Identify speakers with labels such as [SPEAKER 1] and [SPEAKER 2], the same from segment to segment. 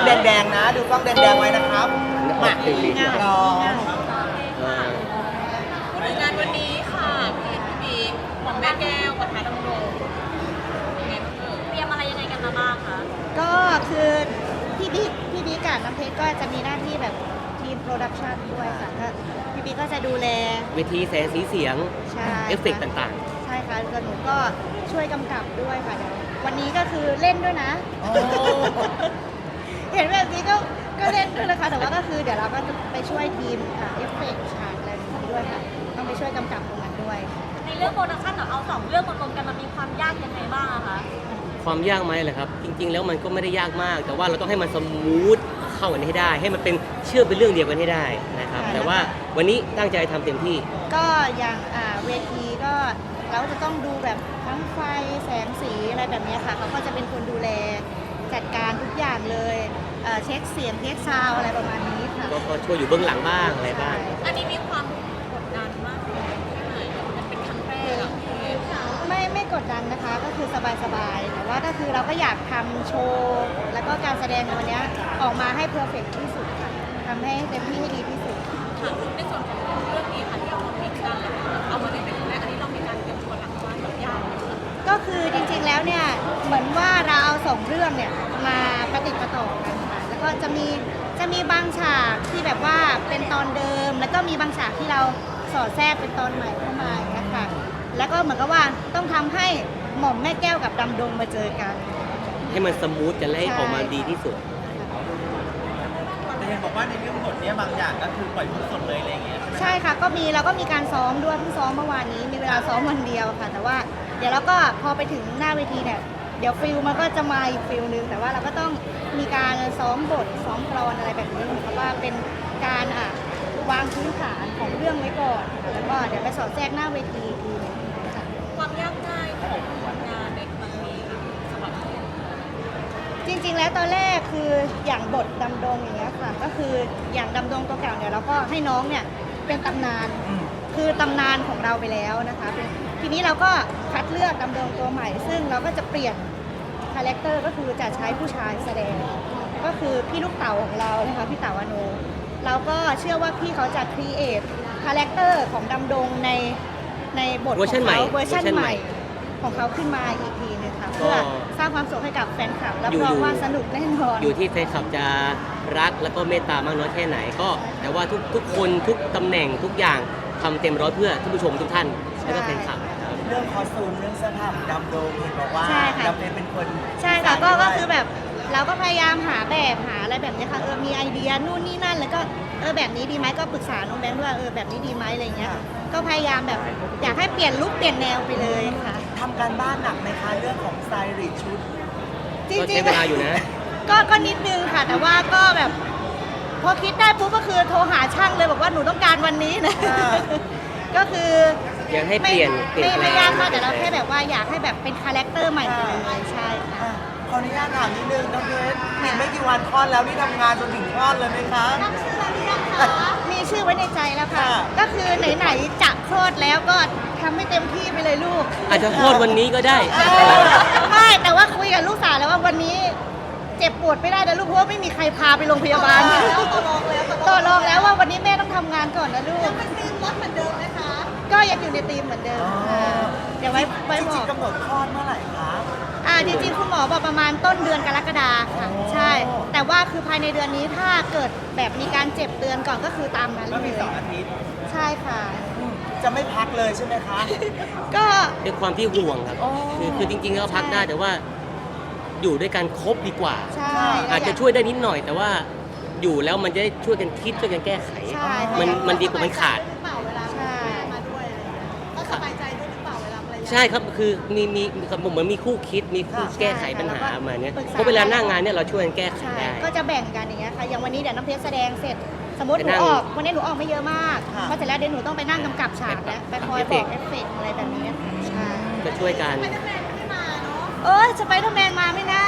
[SPEAKER 1] แดงๆนะดูกล้องแดงๆไว้นะครับมาลอง
[SPEAKER 2] งานวันนี้ค่ะพี่บิ๊กของแม่แก้วกับทาดำรงเตรียมอะไรยังไงกันมาบ้างคะ
[SPEAKER 3] ก็คือพี่บิ๊กกับน้ำเพชรก็จะมีหน้าที่แบบทีมโปรดักชันด้วยค่ะก็พี่บิ๊กก็จะดูแล
[SPEAKER 4] เวทีแสงสีเสียง
[SPEAKER 3] ใช่
[SPEAKER 4] เอฟเฟกต์ต่าง
[SPEAKER 3] ใช่ค่ะแล้วหนูก็ช่วยกำกับด้วยค่ะเดี๋ยววันนี้ก็คือเล่นด้วยนะ เห็นแบบนี้ก็เล่นด้วยนะคะแต่ว่าก็คือเดี๋ยวเราก็จะไปช่วยทีมเอฟเฟกต์ฉากอะไรแบบนี้ด้วยค่ะต้องไปช่วยกำกับตรงนั้นด้วย
[SPEAKER 2] ในเรื่องโปรดักชั่นเอาสองเรื่องมารวมกันมันมีความยากยังไงบ้างอะคะ
[SPEAKER 4] ๆ ความยากไหมเหรอครับ จริง ๆ แล้วมันก็ไม่ได้ยากมาก แต่ว่าเราต้องให้มันสมูทเข้ากันให้ได้ ให้มันเป็นเชื่อมเป็นเรื่องเดียวกันให้ได้นะครับ แต่ว่าวันนี้ตั้งใจทำเต็มที่
[SPEAKER 3] ก็อย่างเวทีก็เราจะต้องดูแบบทั้งไฟแสงสีอะไรแบบนี้ค่ะเขาก็จะเป็นคนดูแลจัดการทุกอย่างเลยเช็คเสียงเช็คซาวด์อะไรประมาณนี้ค่ะ
[SPEAKER 4] ก็ช่วยอยู่เบื้องหลังบ้างอะไรบ้าง
[SPEAKER 2] อันนี้มีความกดดันมากเลยแค่ไหนมันเป็นครั้งแรกอะพี่
[SPEAKER 3] ไม่กดดันนะคะก็คือสบายๆแต่ว่าก็คือเราก็อยากทำโชว์แล้วก็การแสดงในวันนี้ออกมาให้เพอร์เฟกต์ที่สุดค่ะทำให้เต็มที่ให้ดีที่สุด
[SPEAKER 2] ค่ะในส่วนของเรื่องนี้ค่ะที่เอามาพิกกันเอามาเล่นเป็นครั้งแรกอันนี้เรามีการเตรียมตัวหลังบ้านแบบยากไหมคะ
[SPEAKER 3] ก็คือจริงๆแล้วเนี่ยเหมือนว่าเราเอาสองเรื่องเนี่ยมาประติดประต่อกันค่ะแล้วก็จะมีบางฉากที่แบบว่าเป็นตอนเดิม แล้วก็มีบางฉากที่เราสอดแทรกเป็นตอนใหม่เข้ามาอย่างเงี้ยค่ะแล้วก็เหมือนกับว่าต้องทำให้หม่อมแม่แก้วกับดำดงมาเจอกัน
[SPEAKER 4] ให้มันสมูทกันและให้ออกมาดีที่สุด
[SPEAKER 1] แต่เห็นบอกว่าในเรื่องบทเนี้ยบางอย่างก็คือปล่อยพูดสดเลยอะไรอย่างเงี้ย
[SPEAKER 3] ใช่ค่ะเราก็มีการซ้อมด้วยเพิ่งซ้อมเมื่อวานนี้มีเวลาซ้อมวันเดียวค่ะ แต่ว่าเดี๋ยวเราก็พอไปถึงหน้าเวทีเนี่ยเดี๋ยวฟิลมันก็จะมาอีกฟิลนึงแต่ว่าเราก็ต้องมีการซ้อมบทซ้อมกลอนอะไรแบบนี้เหมือนกับว่าเป็นการวางพื้นฐานของเรื่องไว้ก่อนค่ะแล้วก็เดี๋ยวไปสอดแทรกหน้าเวทีอีกทีนึงค่ะ
[SPEAKER 2] ความยากง่ายของงานในครั้งนี้สำหรับเรา
[SPEAKER 3] จริงๆแล้วตอนแรกคืออย่างบทดำดงอย่างเงี้ยค่ะก็คืออย่างดำดงตัวเก่าเนี่ยเราก็ให้น้องเนี่ยเป็นตำนาน คือตำนานของเราไปแล้วนะคะทีนี้เราก็คัดเลือกดำดงตัวใหม่ ซึ่งเราก็จะเปลี่ยนคาแรคเตอร์ก็คือจะใช้ผู้ชายแสดง ก็คือพี่ลูกเต๋าของเรานะคะพี่เต๋าอโนเราก็เชื่อว่าพี่เขาจะครีเอทคาแรคเตอร์ของดำดงในบทของ
[SPEAKER 4] เวอร์ชันใหม่
[SPEAKER 3] เขาเวอร์ชัน
[SPEAKER 4] เวอร์ชัน
[SPEAKER 3] ให
[SPEAKER 4] ใหม่
[SPEAKER 3] ม่ของเขาขึ้นมาอีกทีนึงค่ะ
[SPEAKER 4] ก็
[SPEAKER 3] เพื่อสร้างความสุขให้กับแฟนคลับรับ
[SPEAKER 4] อยู่
[SPEAKER 3] รองว่าสนุกแน่นอน
[SPEAKER 4] อยู่ที่แฟนคลับจะรักแล้วก็เมตตามากน้อยแค่ไหนก็ แต่ว่าทุกคนทุกตำแหน่งทุกอย่างทำเต็มร้อยเพื่อท่านผู้ชมทุกท่านแล้วก็แฟนคลับครับ
[SPEAKER 1] เรื่องคอสตูมเรื่องเสื้อผ้าของดำโดมเห็นบอกว่า
[SPEAKER 3] ใช่ค่ะ
[SPEAKER 1] ดำเป็นคน
[SPEAKER 3] ใช่ค่ะก็
[SPEAKER 1] ดีไซน์ด้วย
[SPEAKER 3] คือแบบเราก็พยายามหาแบบหาอะไรแบบนี้ค่ะมีไอเดียนู่นนี่นั่นแล้วก็แบบนี้ดีไหมก็ปรึกษาน้องแบงค์ด้วยแบบนี้ดีไหมอะไรเงี้ยก็พยายามแบบอยากให้เปลี่ยนลุคเปลี่ยนแนวไปเลยค่ะ
[SPEAKER 1] ทำการบ้านหนักไหมคะเรื่องของสไตลิสต์ชุด
[SPEAKER 3] จ
[SPEAKER 4] ก็
[SPEAKER 3] ริ
[SPEAKER 4] ใช้
[SPEAKER 3] ง
[SPEAKER 4] เวลาอยู่นะ
[SPEAKER 3] ก็นิดนึงค่ะ แต่ว่าก็แบบพอคิดได้ปุ๊บก็คือโทรหาช่างเลยบอกว่าหนูต้องการวันนี้นะ
[SPEAKER 1] อ่า
[SPEAKER 3] ก็คือ
[SPEAKER 4] อยากให้เปลี่ยนแปลง
[SPEAKER 3] ไม่ยากมากแต่เราแค่แบบว่าอยากให้แบบเป็นคาแรคเตอร์ใหม่ไปเลยใช่ค่ะ
[SPEAKER 1] อ่ะขออนุญาตถามนิดนึงน้องเพชรอีกไม่กี่วันคลอดแล้วนี่ทำงานจนถึงคลอดเลยไหมคะ
[SPEAKER 3] มีชื่อไว้ในใจแล้วค่ะ
[SPEAKER 1] ค่ะ
[SPEAKER 3] ก็คือไหนๆจะคลอดแล้วก็ทำให้เต็มที่ไปเลยลูก
[SPEAKER 4] อาจจะโทษวันนี้ก็ได้
[SPEAKER 3] ไม่แต่ว่าคุยกับลูกสาวแล้วว่าวันนี้เจ็บปวดไม่ได้นะลูกเพราะว่าไม่มีใครพาไปโรงพยาบาลต่อรองแล้วว่าวันนี้แม่ต้องทำงานก่อนนะลูกเป็นธีมรถเหมือนเดิมไหมคะก็ยังอยู่ในธีมเหมือนเดิมค่ะเดี๋ยวไว้
[SPEAKER 1] จ
[SPEAKER 3] บ
[SPEAKER 1] ริ
[SPEAKER 3] อง ก
[SPEAKER 1] ๆกำหนดคลอดเมื่อไหร่คะ
[SPEAKER 3] จริงๆคุณหมอบอกประมาณต้นเดือนกรกฎาค่ะ
[SPEAKER 1] โอ้
[SPEAKER 3] ใช่ แต่ว่าคือภายในเดือนนี้ถ้าเกิดแบบมีการเจ็บเตือนก่อนก็คือตามนั้น
[SPEAKER 1] ก็
[SPEAKER 3] เล
[SPEAKER 1] มี
[SPEAKER 3] ย
[SPEAKER 1] 2 อาทิตย์
[SPEAKER 3] ใช่ค่ะ
[SPEAKER 1] จะไม่พักเลยใช่ไหมคะ
[SPEAKER 3] ก็
[SPEAKER 4] ด้วยความที่ห่วงครับ
[SPEAKER 1] อ๋อ
[SPEAKER 4] คือจริงๆก็พักได้แต่ว่าอยู่ด้วยกันครบดีกว่า
[SPEAKER 3] ใช่
[SPEAKER 4] อาจจะช่วยได้นิดหน่อย แต่ว่าอยู่แล้วมันจะได้ช่วยกันคิดช่วยกันแก้ไข
[SPEAKER 3] ใช่
[SPEAKER 4] มันดีกว่ามันขาด
[SPEAKER 3] ใช่
[SPEAKER 2] ก็สบายใจด้วยหรือเปล่าเวลาภรรยา
[SPEAKER 4] ใช่ครับคือมีเหมือนมีคู่คิดมีคู่แก้ไขปัญหามาเนี้ยเพราะเวลาหน้างานเนี่ยเราช่วยกันแก้ไข
[SPEAKER 3] ใช่
[SPEAKER 4] ได้
[SPEAKER 3] ก็จะแบ่งกันอย่างเงี้ยค่ะ อย่างวันนี้เดี๋ยวน้ำเพชรแสดงเสร็จ สมมติห
[SPEAKER 4] ไป
[SPEAKER 3] นู
[SPEAKER 4] นั่ง
[SPEAKER 3] ออก วันนี้หนูออกไม่เยอะมาก
[SPEAKER 1] ค่ะ
[SPEAKER 3] เพราะเสร็จแล้วเดี๋ยวหนูต้องไปนั่งกำกับฉากแล้วไปคอยบอกเอฟเฟกต์อะไรแบบนี้ใช่
[SPEAKER 4] ก็ช่วยกัน
[SPEAKER 3] สไปเดอร์แมนมาไหมนะ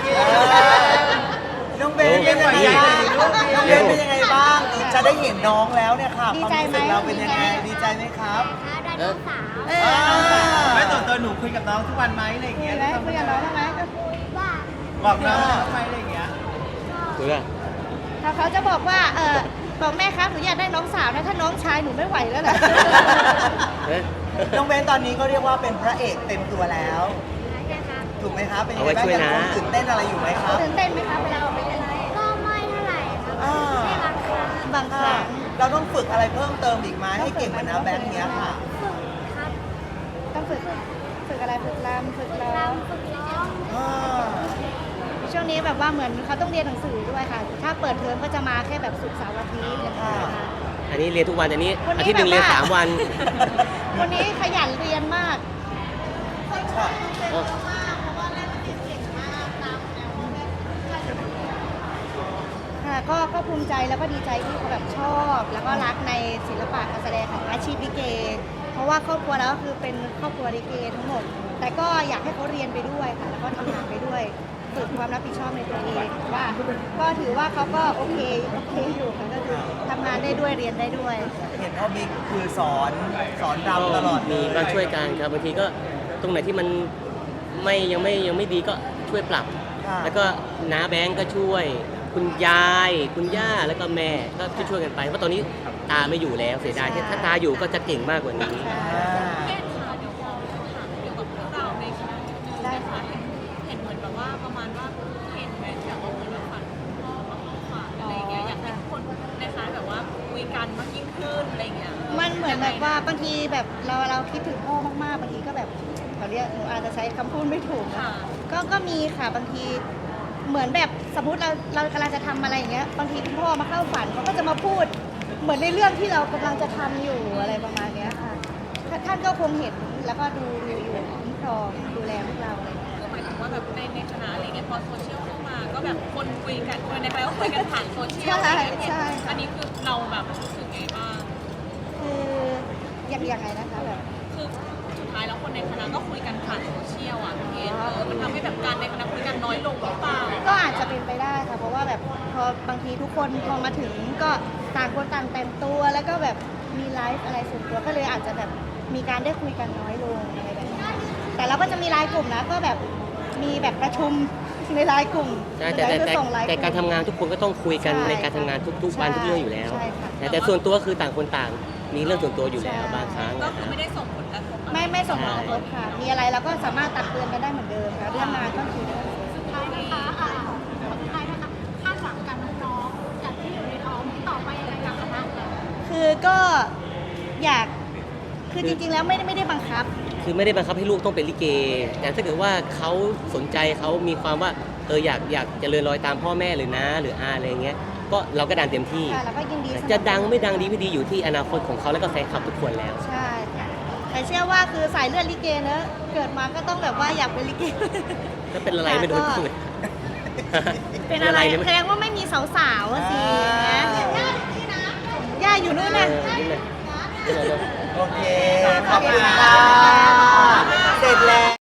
[SPEAKER 1] น้องเบนเป็นยังไงบ้างน้องเบนเป็นยังไงบ้าง จะได้เห็นน้องแล้วเนี่ยค่ะ
[SPEAKER 3] ดี
[SPEAKER 1] ความ
[SPEAKER 3] ใจ
[SPEAKER 1] รู้
[SPEAKER 3] ไหม
[SPEAKER 1] สึกเราเป็นยังไง ดีใจไหมครับ
[SPEAKER 4] เออ
[SPEAKER 3] เออ
[SPEAKER 1] ไม่ตัวหนูคุยกับน้องทุกวันไหมอะไรอย่าง
[SPEAKER 3] คุ
[SPEAKER 1] เงี้
[SPEAKER 3] ย
[SPEAKER 1] ย
[SPEAKER 3] ไหมคุยกับน้องบ้างไหม
[SPEAKER 1] บอกน้องไหมอะไรอย่างเงี้ย
[SPEAKER 4] คุยเพื่อ
[SPEAKER 3] เขาจะบอกว่าบอกแม่ครับหนูอยากได้น้องสาวนะถ้าน้องชายหนูไม่ไหวแล้วนะ
[SPEAKER 4] เอ๊ะ
[SPEAKER 1] น้องเบนตอนนี้ก็เรียกว่าเป็นพระเอกเต็มตัวแล้ว ถูกไหมครับ เป็นยังไงบ้างยังคงตื่นเต้นอะไรอยู่ไหมครับ
[SPEAKER 3] ตื่นเต้นไหมคะเวลาออกไปเล่น
[SPEAKER 2] ก็ไม่เท่าไหร่ครับ
[SPEAKER 1] อ่า
[SPEAKER 2] แค่บางครั้ง
[SPEAKER 3] บางครั้ง
[SPEAKER 1] เราต้องฝึกอะไรเพิ่มเติมอีกไหมให้เก่งเหมือนน้าแบงค์เนี้ยค่ะ
[SPEAKER 2] ฝึกครับ
[SPEAKER 3] ต้องฝึกอะไรฝึกรำฝึกร้อง
[SPEAKER 2] ฝึกร้อง
[SPEAKER 1] อ่า
[SPEAKER 3] ช่วงนี้แบบว่าเหมือนเขาต้องเรียนหนังสือด้วยค่ะ ถ้าเปิดเทอมก็จะมาแค่แบบศุกร์เสาร์อาทิตย์นะคะ
[SPEAKER 4] อันนี้เรียนทุกวันอันนี้
[SPEAKER 3] วันนี้
[SPEAKER 4] อาทิตย์หนึ่งเรียน
[SPEAKER 3] แบบว่า
[SPEAKER 4] 3 วัน
[SPEAKER 3] คนนี้ขยันเรียนมาก
[SPEAKER 4] อ๋อ
[SPEAKER 3] ค่ะก็ภูมิใจแล้วก็ดีใจที่เขาแบบชอบ แล้วก็รักในศิลปะการแสดงของอาชีพลิเก เพราะว่าครอบครัวแล้วก็คือเป็นครอบครัวลิเกทั้งหมด แต่ก็อยากให้เขาเรียนไปด้วยค่ะ แล้วก็ทำงานไปด้วยฝึกความรับผิดชอบในตัวเองว่าก็ถือว่าเขาก็โอเคอยู่ค่ะก็คือทำงานได้ด้วยเรียนได้ด้วย
[SPEAKER 1] เห็นพ่อบิ๊กคือสอนรำตลอดเล
[SPEAKER 4] มี
[SPEAKER 1] ย
[SPEAKER 4] มาช่วยกันครับบางทีก็ตรงไหนที่มันยังไม่ดีก็ช่วยปรับ
[SPEAKER 1] ค่ะ
[SPEAKER 4] แล้วก็น้าแบงก์ก็ช่วย คุณยาย คุณย่าแล้วก็แม่ก็ช่วยกันไปเพราะตอนนี้ตาไม่อยู่แล้วเสียดายถ้าตาอยู่ก็จะเก่งมากกว่านี้
[SPEAKER 1] อ่า
[SPEAKER 2] เช่นค่ะเดี๋ยวขอถามเกี่ยวกับเรื่องราวในคณะนิดนึง
[SPEAKER 3] ได้
[SPEAKER 2] นะคะ
[SPEAKER 3] ค่ะ
[SPEAKER 2] เห็นเหมือนแบบว่าประมาณว่าเห็นแมทแบบว่าเหมือนแบบฝันพ่อมาเข้าฝันอะไรอย่างเงี้ยอยากให้ทุกคนนะคะแบบว่าคุยกันมากยิ่งขึ้นอะไรอย่างเงี้ย
[SPEAKER 3] มันเหมือนแบบว่าบางทีแบบเราคิดถึงพ่อมากๆบางทีก็แบบเขาเรียกหนูอาจจะใช้คำพูดไม่ถูกนะ
[SPEAKER 2] ค่ะ
[SPEAKER 3] ก็มีค่ะบางทีเหมือนแบบสมมติเรากำลังจะทำอะไรอย่างเงี้ยบางทีคุณพ่อมาเข้าฝันเขาก็จะมาพูด เหมือนในเรื่องที่เรากำลังจะทำอยู่อะไรประมาณเนี้ยค่ะท่านก็คงเห็นแล้วก็ดูอยู่คุ้มครองดูแลพวกเราอะไรอย่างเงี้ย
[SPEAKER 2] คือหมายถึงว่าแบบในคณะอะไรเงี้ยพอโซเชียลเข้ามาก็แบบคนคุยกันคนในคณะก็คุยกันผ่านโซเชียล
[SPEAKER 3] ใช่
[SPEAKER 2] อะไรอย่างเงี้ย
[SPEAKER 3] ใช่
[SPEAKER 2] อันนี้คือเราแบบรู้สึกไงบ้าง
[SPEAKER 3] คือยังไงนะคะแบบ
[SPEAKER 2] คือสุดท้ายแล้วคนในคณะก็คุยกันผ่านโซเชียลอ่ะพี่เกดมันทำให้แบบการในคณะคุยกันน้อยลงหรือเปล่า
[SPEAKER 3] ก็อาจจะเป็นไปได้ค่ะเพราะว่าแบบพอบางทีทุกคนพอมาถึงก็ต่างคนต่างแต่งตัวแล้วก็แบบมีไลฟ์อะไรส่วนตัวก็เลยอาจจะแบบมีการได้คุยกันน้อยลงอะไรแบบนี้แต่เราก็จะมีไลน์กลุ่มนะก็แบบมีแบบประชุมในไลน์กลุ่ม
[SPEAKER 4] ใช่แต่
[SPEAKER 3] เดี๋ยวจะส่งไลน์
[SPEAKER 4] แต่การทำงานทุกคนก็ต้องคุยกัน
[SPEAKER 3] ใช่
[SPEAKER 4] ในการทำงานทุกๆวันทุกเรื่องอยู่แล้ว
[SPEAKER 3] ใช่ค่ะ
[SPEAKER 4] แต่ส่วนตัวคือต่างคนต่างมีเรื่องส่วนตัวอยู่แล้ว
[SPEAKER 3] ใช่
[SPEAKER 4] บางครั้ง
[SPEAKER 2] ก็
[SPEAKER 4] นะ
[SPEAKER 2] คือ
[SPEAKER 4] ฮะ
[SPEAKER 2] ไม่ได้ส่งผลกระทบอะไร
[SPEAKER 3] ไม่ส่งผลกระทบค่ะ มีอะไรเราก็สามารถตักเตือนกันได้เหมือนเดิมค่ะเรื่องงานก็คือ
[SPEAKER 2] สุดท้ายนะคะสุดท้ายนะคะคาดหวังกับน้องๆจากที่อยู่ในท้องต่อไปยังไงกับคณะเรา
[SPEAKER 3] คือก็อยากคือจริงๆแล้วไม่ได้บังคับ
[SPEAKER 4] คือไม่ได้บังคับให้ลูกต้องเป็นลิเก แต่ถ้าเกิดว่าเขาสนใจเขามีความว่าอยากจะเลื่อนลอยตามพ่อแม่หรือน้าหรืออาอะไรเงี้ยก็เราก็ดันเต็มที่
[SPEAKER 3] ค่ะแล้วก็ยินดีสนับสนุน
[SPEAKER 4] จะดังไม่ดังดีไม่ดีอยู่ที่อนาคตของเขาแล้วก็แฟนคลับทุกคนแล้ว
[SPEAKER 3] ใช่ค่ะแต่เชื่อว่าคือสายเลือดลิเกเนอะเกิดมาก็ต้องแบบว่าอยากเป็นลิเก
[SPEAKER 4] แล้วเป็นอะไรไม่โดนพูด
[SPEAKER 3] เป็นอะไร
[SPEAKER 4] เนี่ย
[SPEAKER 3] แสดงว่าไม่มีสาวๆอะสินะย่าอยู่นู่น
[SPEAKER 4] เอ
[SPEAKER 3] นะ
[SPEAKER 4] อนี่เลย
[SPEAKER 1] โอเค ขอบคุณค่ะ เสร็จแล้ว